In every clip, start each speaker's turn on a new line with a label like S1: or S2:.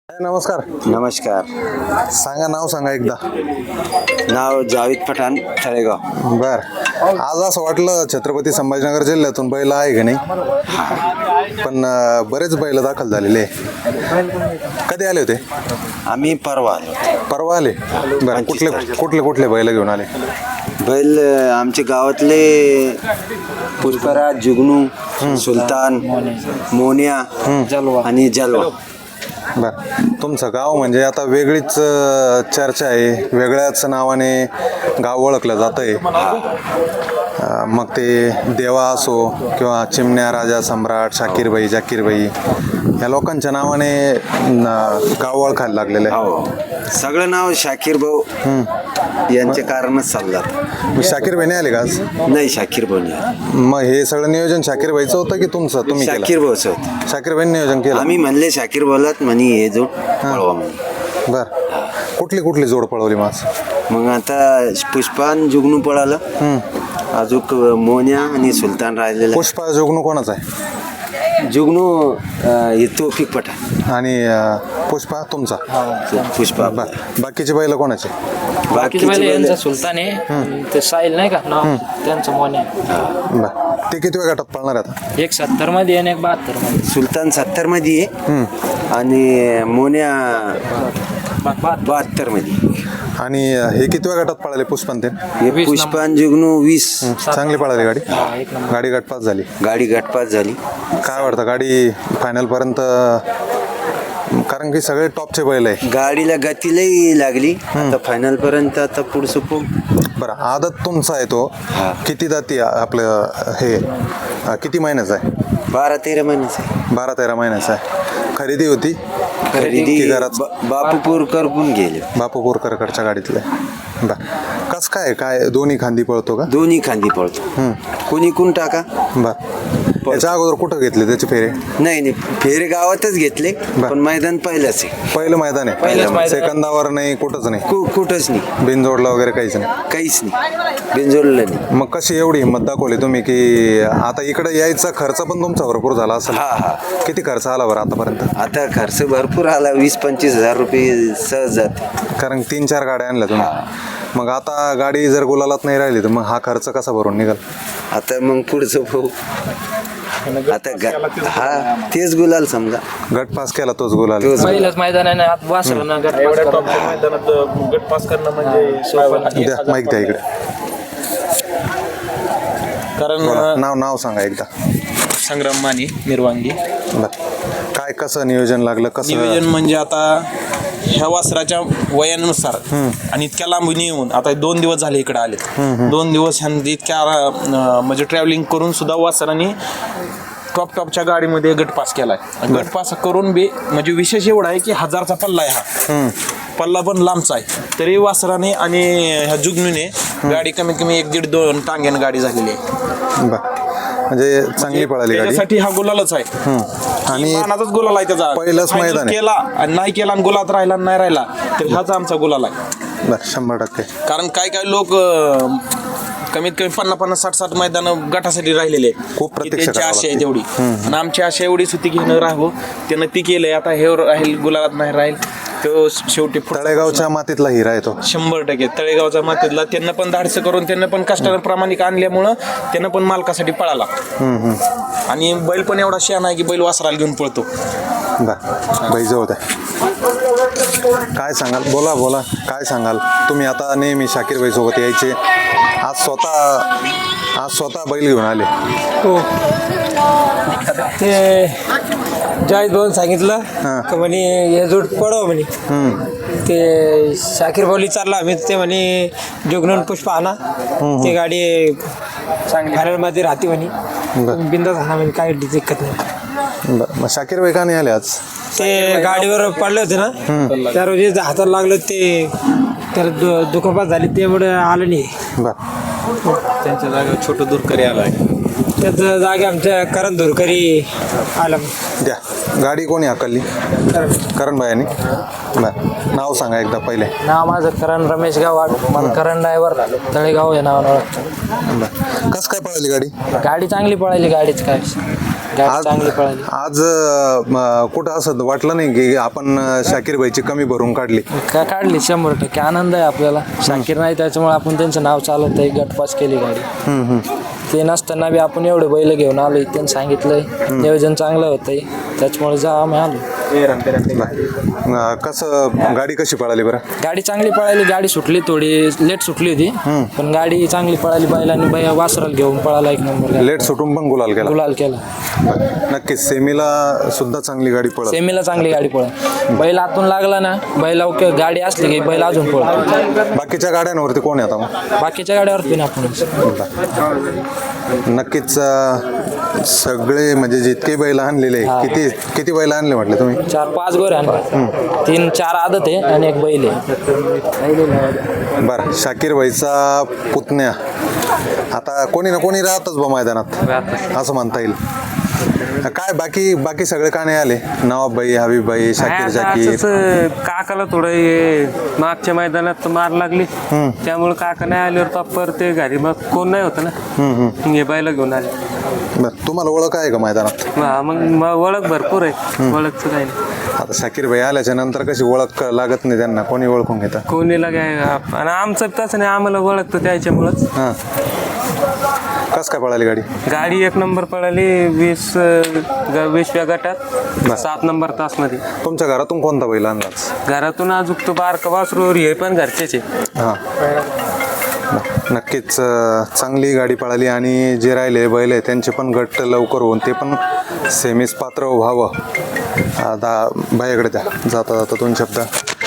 S1: नमस्कार.
S2: नमस्कार.
S1: सांगा, नाव सांगा एकदा.
S2: नाव जावेद पठाण, तळेगाव.
S1: बर. आज असं वाटलं छत्रपती संभाजीनगर जिल्ह्यातून बैल आहे का नाही, पण बरेच बैल दाखल झालेले. कधी आले होते?
S2: आम्ही परवा आलो.
S1: परवा आले. बरं. कुठले कुठले बैल घेऊन आले?
S2: बैल आमच्या गावातले पुष्पराज, जुगनू, सुलतान, मोन्या आणि जलवा.
S1: बर. तुमचं गाव म्हणजे आता वेगळीच चर्चा आहे, वेगळ्याच नावाने गाव ओळखलं जात आहे. मग ते देवा असो किंवा चिमण्या, राजा, सम्राट, शाकीरबाई, जाकीरबाई या लोकांच्या नावाने गाव ओळखायला लागलेलं आहे.
S2: हो, सगळं नाव शाकीर भाऊ यांच्या कारणच चाललं.
S1: शाकीरबाई नाही आले का आज?
S2: नाही, शाकीर भाऊ नाही.
S1: मग हे सगळं नियोजन शाकीरबाईचं होतं की तुमचं तुम्ही केलं?
S2: शाकीर भाऊच होत.
S1: शाकीरबाईंनी नियोजन केलं.
S2: आम्ही म्हणले शाकीर भाऊलाच म्हणे हे जोड पळवा म्हणे.
S1: बर. कुठली जोड पळवली माझ? मग
S2: आता पुष्पान जुगनू पळालं, अजून मोन्या आणि सुलतान राहिलेला.
S1: पुष्पा जुगनू कोणाचा आहे?
S2: जुगनू तौफिक पठाण
S1: आणि पुष्पा तुमचा?
S2: पुष्पा.
S1: बाकीचे बैल कोणाचे?
S3: बाकीचे यांचा सुलतान आहे, ते साहिल नाही का नाव, त्यांचं मोन आहे.
S1: बर. ते किती वेळ गटात पळणार आता?
S3: एक 70 मध्ये आणि एक 72 मध्ये.
S2: सुलतान 70 मध्ये आहे आणि मोन्या 72 मध्ये.
S1: आणि हे किती वेळ गटात पळाले पुष्पन ते?
S2: हे पुष्पान जुगनू 20.
S1: चांगली पळाली गाडी.
S3: एक नंबर.
S1: गाडी गटपास झाली.
S2: गाडी गटपास झाली.
S1: काय वाटतं गाडी फायनल पर्यंत? कारण की सगळे टॉपचे बैल आहे.
S2: गाडीला गतीलाही लागली. आता फायनल पर्यंत आता पुढचं खूप.
S1: बरं. आदत तुमचा आहे तो किती जाती आपलं हे किती महिन्याचा आहे?
S2: 12-13 महिन्याचं.
S1: 12-13 महिन्याचा आहे. खरेदी होती?
S2: खरेदी
S1: की घरात?
S2: बापूपूर करून गेले.
S1: बापू बोरकरकडच्या गाडीतले. बरं. कस काय दोन्ही खांदी पळतो का?
S2: दोन्ही खांदी पळतो. कोणी कोण टाका.
S1: बरं. याच्या अगोदर कुठं घेतले त्याचे फेरे?
S2: नाही, फेरे गावातच घेतले, पण मैदान पहिलंच आहे.
S1: पहिलं मैदान आहे. सेकंदावर नाही, कुठंच नाही?
S2: कुठंच नाही.
S1: बिनजोडला वगैरे काहीच नाही?
S2: काहीच नाही, बिनजोडलं नाही.
S1: मग कशी एवढी हिंमत दाखवली तुम्ही की आता इकडे यायचा खर्च पण तुमचा भरपूर झाला असेल?
S2: हा.
S1: किती खर्च आला बरं आतापर्यंत?
S2: आता खर्च भरपूर आला, 20-25 हजार रुपये सहज जाते.
S1: कारण 3-4 गाड्या आणल्या तुम्ही. मग आता गाडी जर गुलालात नाही राहिली तर मग हा खर्च कसा भरून निघाल?
S2: आता मग पुढचं भाऊ आता तेच गुलाल समजा.
S1: गट पास केला तोच गुलाल.
S3: पहिलंच मैदान आहे ना, आता वासरानं गट
S4: पास करणं म्हणजे
S1: द्या माईक द्या इकडे.
S4: कारण
S1: नाव सांगा एकदा.
S4: संग्राम माने, निर्वांगी.
S1: काय कसं नियोजन लागलं? कसं
S4: नियोजन म्हणजे आता ह्या वासराच्या वयानुसार आणि इतक्या लांबून येऊन आता 2 दिवस झाले इकडे आले. 2 दिवस इतक्या म्हणजे ट्रॅव्हलिंग करून सुद्धा वासराने टॉपच्या गाडीमध्ये गट पास केलाय. गट पास करून बी म्हणजे विशेष एवढा आहे की 1000चा पल्ला आहे हा. पल्ला पण लांबचा आहे, तरी वासराने आणि ह्या जुगनूने गाडी कमीत कमी 1-1.5-2 टांग्यानं गाडी झालेली आहे.
S1: म्हणजे चांगली पळाली गाडी.
S4: त्यासाठी हा गुलालच आहे
S1: आणि
S4: मानाचाच गुलाल आहे त्याचा.
S1: पहिलंच मैदान आहे.
S4: केला आणि नाही केला आणि गुलात राहिला नाही राहिला तर हाच आमचा गुलाल आहे.
S1: 100%.
S4: कारण काय लोक कमीत कमी 50-60 मैदान गटासाठी राहिलेले
S1: खूप प्रतीक्षा
S4: त्यांची
S1: करावी
S4: आशा आहे
S1: लागते.
S4: तेवढी, आणि आमची आशा एवढीच होती की न राहावं. त्यानं ती केलंय. आता हे राहील गुलालात नाही राहील तो शेवटी
S1: तळेगावच्या मातीतला हिरा आहे तो.
S4: 100% तळेगावचा मातीतला. त्यांना पण धाडसं करून त्यांना पण कष्टानं प्रामाणिक आणल्यामुळं त्यांना पण मालकासाठी पळाला. आणि बैल पण एवढा शहाणा आहे की बैल वासराला घेऊन पळतो.
S1: बाई जवळ द्या. काय सांगाल? बोला काय सांगाल तुम्ही? आता नेहमी शाकीरबाई सोबत यायचे, आज स्वतः बैल घेऊन आले.
S5: हो, ते जावेद भाऊन सांगितलं का म्हणे हे जोड पडव म्हणे. ते शाकीर भाऊली चालला आम्ही, ते म्हणे जुगनून पुष्पा आणा, ते गाडी फायनलमध्ये राहते म्हणे, बिंदास आणा म्हणे, काय दिक्कत नाही.
S1: मग शाकीरबाई का नाही आले आज?
S5: ते गाडीवर पडले होते ना, त्या रोजी हाताला लागलं, ते त्याला दुखापत झाली, त्यामुळे आलं नाही.
S4: त्यांच्या जागेवर छोटं दूरकरी आला आहे.
S5: त्याचं जागे आमच्या करण धुरकरी आलं
S1: द्या गाडी कोणी हाकलली करण भायानी बरं नाव सांगा एकदा पहिले
S3: नाव माझं करण रमेश गावाड मला करण ड्रायव्हर तळेगाव या नावानं ओळखतो.
S1: बरं कसं काय पळाली गाडी
S3: गाडी चांगली पळाली गाडीच काय गाडी चांगली पळाली.
S1: आज कुठं असं वाटलं नाही की आपण शाकीर भाईची कमी भरून काढली
S3: काय काढली 100% आनंद आहे आपल्याला. शाकीर नाही त्याच्यामुळे आपण त्यांचं नाव चालत आहे गटपास केली गाडी. ते नसताना बी आपण एवढे बैल घेऊन आलोय त्यांनी सांगितलंय नियोजन चांगलं होतंय त्याच्यामुळे जा आम्ही आलो.
S1: कसं गाडी कशी पळाली बरं
S3: गाडी चांगली पळाली. गाडी सुटली थोडी लेट सुटली होती पण गाडी चांगली पळाली. बैलांनी वासराला घेऊन पळाला 1 नंबर.
S1: लेट सुटून पण गुलाल केला
S3: गुलाल केला.
S1: नक्कीच सेमीला सुद्धा चांगली गाडी पळत
S3: सेमीला चांगली गाडी पळत. बैल आतून लागला ना बैल गाडी असली की बैल अजून पळत.
S1: बाकीच्या गाड्यांवरती कोण आहे आता मग
S3: बाकीच्या गाड्यावरती ना आपण
S1: नक्कीच सगळे म्हणजे जितके बैल आणलेले किती बैल आणले म्हटले तुम्ही
S3: 4-5 गोरे आणले. 3-4 आदत आहे आणि 1 बैल आहे.
S1: बरं शाकीर भाईचा पुतण्या आता कोणी ना कोणी राहतच बा मैदानात असं म्हणता येईल. काय बाकी सगळे का नाही आले नवाबबाई हबीबबाई शाकीर जाकीर
S6: काकाला थोडं हे मागच्या मैदानात मार लागली त्यामुळे काका नाही आल्यावर पापर ते घरी मग कोण नाही होतं ना हे बायला घेऊन आले.
S1: बरं तुम्हाला ओळख आहे का मैदानात
S6: हा मग ओळख भरपूर आहे ओळखचं काही नाही.
S1: आता शाकीर भाई आल्याच्या नंतर कशी ओळख लागत नाही त्यांना कोणी ओळखून घेतं
S6: कोणीला काय आणि आमचं तसं नाही आम्हाला ओळखतं त्याच्यामुळंच.
S1: हां कस काय पळाली गाडी
S6: गाडी 1 नंबर पळाली 20व्या गटात 7 नंबर तासमध्ये.
S1: तुमच्या घरातून कोणता बैल आणलाच
S6: घरातून अजून तो बारका वासरूवर हे पण घरचेच आहे.
S1: हां नक्कीच चांगली गाडी पळाली आणि जे राहिले बैल आहे त्यांचे पण गट लवकर होऊन ते पण सेमीस पात्र व्हावं. आता भाईकडे द्या जाता 2 शब्द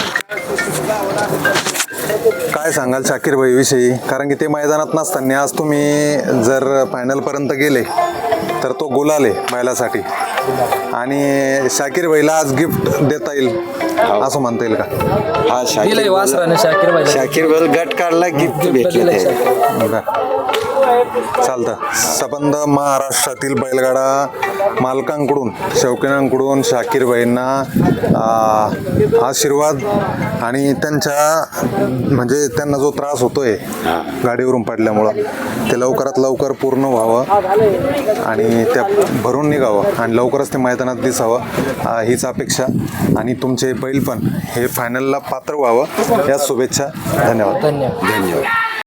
S1: काय सांगाल शाकीर भाईविषयी कारण की ते मैदानात नसताना आज तुम्ही जर फायनलपर्यंत गेले तर तो गुलाल आहे बैलासाठी आणि शाकीर भाईला आज गिफ्ट देता येईल असं म्हणता येईल का
S2: हा
S3: दिलंय वासराने शाकीर भाई
S2: शाकीर बैल गट काढला गिफ्ट भेटलं ते.
S1: चालतं सबंध महाराष्ट्रातील बैलगाडा मालकांकडून शौकीनांकडून शाकीर भाईंना आशीर्वाद आणि त्यांच्या म्हणजे त्यांना जो त्रास होतोय गाडीवरून पडल्यामुळं ते लवकरात लवकर पूर्ण व्हावं आणि त्या भरून निघावं आणि लवकरच ते मैदानात दिसावं हीच अपेक्षा आणि तुमचे बैल पण हे फायनलला पात्र व्हावं या शुभेच्छा. धन्यवाद.
S3: धन्यवाद.
S2: धन्यवाद.